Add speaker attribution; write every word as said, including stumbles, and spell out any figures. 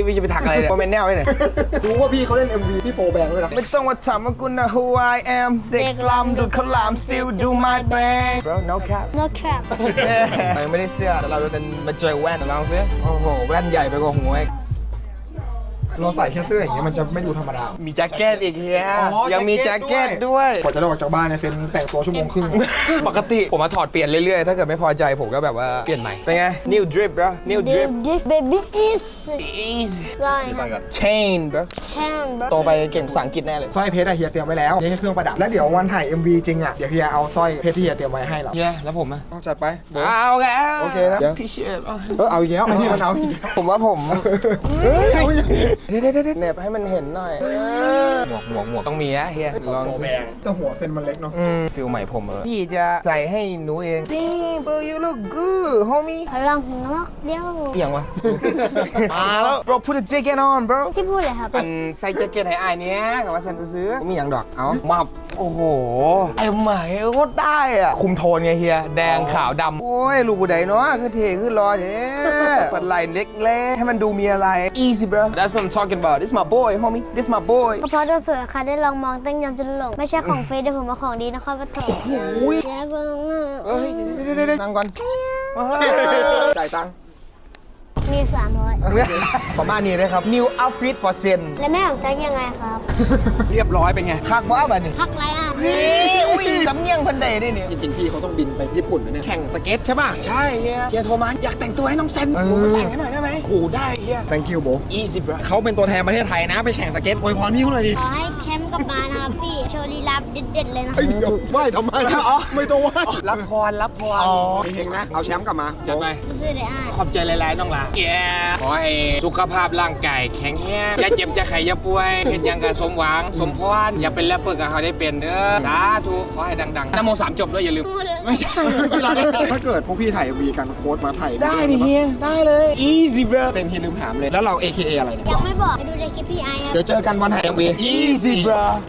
Speaker 1: พี่จะไปถักอะไรเนี่ยโมเมนต์แนวเลยเนี่ย
Speaker 2: รู้ว่าพี่เขาเล่น เอ็ม วี พี่โฟร์แบงค์ด้วยนะ
Speaker 1: ไม่ต้องมาถามว่ากูนะ who I am เด็กสลัมดูดข้าวหลาม still do my thing bro no cap
Speaker 3: no cap
Speaker 1: ยังไม่ได้เสื้อแต่เราจะมาเจอแว่นลองซิโอ้โหแว่นใหญ่ไปกว่าหัวอีก
Speaker 2: เราใส่แค่เสื้ออย่างเงี้ยมันจะไม่ดูธรรมดา
Speaker 1: มีแจ็คเก็ตอีกเฮีย
Speaker 2: อ๋อ
Speaker 1: ยังมี
Speaker 2: แจ็
Speaker 1: แจ็
Speaker 2: ค
Speaker 1: ค
Speaker 2: เก็
Speaker 1: เก็
Speaker 2: ต
Speaker 1: ต
Speaker 2: ด้
Speaker 1: ด้
Speaker 2: ว
Speaker 1: วย ย
Speaker 2: กว่าจะออกจากบ้านเนี่ยเป็นแต่งตัวชั่วโมงครึ่ง
Speaker 1: ปกติผมมาถอดเปลี่ยนเรื่อยๆ ถ้าเกิดไม่พอใจผมก็แบบว่าเปลี่ยนใหม่ เป็นไง new drip bro new drip
Speaker 3: Dick baby is
Speaker 1: easy
Speaker 3: sign
Speaker 1: chain bro
Speaker 3: chain bro
Speaker 1: โตไปเก่งภาษาอังกฤษแน่เลย
Speaker 2: สร้อยเพชรอะเฮียเตรียมไว้แล้วนี่แค่เครื่องประดับแล้วเดี๋ยววันถ่าย เอ็ม วี จริงอะเดี๋ยวเฮียเอาสร้อยเพชรที่เฮียเตรียมไว้ให้เรา
Speaker 1: เฮียแล้วผมอ่ะ
Speaker 2: เอาจัดไป
Speaker 1: เอาแก
Speaker 2: โอเคนะ
Speaker 1: พี่เชฟ
Speaker 2: เออเอาอีกแล้วไอ้นี่มันเอาอีกแล้ว
Speaker 1: ผมว่าผม
Speaker 2: เฮ้ยเอาอีกแล้ว
Speaker 1: เด็ดเด็ดเน็บให้มันเห็นหน่อยหมวกหมวกหมวกต้องมีนะเฮียลองสิ
Speaker 2: แต่หัวเส้นมันเล็กเนาะ
Speaker 1: อืมฟิลใหม่ผมเออพี่จะใส่ให้หนูเอง Damn bro you look good homie
Speaker 3: พลังของนกเดียว
Speaker 1: เอียงวะ มาแล้ว bro put a jacket on bro
Speaker 3: พี่พูดเลยครับ
Speaker 1: อันใส่แจ็คเก็ตให้อายเนี้ยกับว่าฉันจะซื้อมีอย่างดอก เอ้ามาโอ้โห ไอ้ใหม่โคตรได้อ่ะ คุมโทนไงเฮีย แดงขาวดำ โอ้ย ลูกบุไดเนาะคือเท่คือรอเท่ปัดไหลเล็กๆ ให้มันดูมีอะไร easy bro that's what I'm talking about this my boy homie this my boy
Speaker 3: ก็เพราะตัวสวยค่ะได้ลองมองตั้งยำจนหลงไม่ใช่ของเฟซเดี๋ยวผมมาของดีนะครับว่าเถอะ
Speaker 1: อุ้ย
Speaker 3: แย่กว่า
Speaker 1: เฮ้ยเดี๋ยวๆๆนั่งก่อน
Speaker 2: จ่ายตังค์
Speaker 3: มีสามร้อย
Speaker 1: ประมาณนี้เลยครับ new outfit for Zen
Speaker 3: แล้วแม่ผมแซกยังไงครับ
Speaker 2: เรียบร้อยเป็นไง
Speaker 1: คักว่าแบบนี้
Speaker 3: พักไรอ่ะ
Speaker 1: นี่อุ้ยสำเนียงพันใดได้เนี่ย
Speaker 2: จริงๆพี่เขาต้องบินไปญี่ปุ่นนะเนี่ยแข่งสเก็ตใช่ป่ะ
Speaker 1: ใช่เฮียเฮียโทรมาอยากแต่งตัวให้น้องเซนผมมาแต่งให้หน่อยได้ไหมขู่ได้เฮีย
Speaker 2: thank you bro
Speaker 1: easy bro
Speaker 2: เขาเป็นตัวแทนประเทศไทยนะไปแข่งสเก็ตอวยพรพี่เขาหน่อยดิ
Speaker 3: ขอให้แชมป์กลับมานะครับพี่โชว์ลีลาเด็ดๆเลยนะ
Speaker 2: เฮ้ยเดี๋ยวไหว้ทำไมไม่ต้องไหว้
Speaker 1: รับพรรับพร
Speaker 2: อ๋อเฮงๆนะเอาแชมป์กลับมา
Speaker 1: จัดไป
Speaker 3: ซื่อๆเลยอ่ะ
Speaker 1: ขอบใจหลายๆน้องหลาแย่ขอให้สุขภาพร่างกายแข็งแรงอย่าเจ็บอย่าไข้อย่าป่วยเห็นยังกับสมหวังสมพรอย่าเป็นแรปเปอร์กับเขาได้เป็นเด้อสาธุขอให้ดังๆนะโมสามจบด้วยอย่าลืม ไม่ใช่ไม่รอได้
Speaker 2: ถ้าเกิดพวกพี่ถ่ายมีกันโค้ดมาถ่าย
Speaker 1: ได้ดิเฮียได้เลย easy bro
Speaker 2: เซนพี่ลืมถามเลยแล้วเรา เอ เค เอ อะไรเนี่ย
Speaker 3: ยังไม่บอกไปดูในคลิปพี่ไอครับ
Speaker 2: เดี๋ยวเจอกันวันถ่าย เอ็ม วี
Speaker 1: easy bro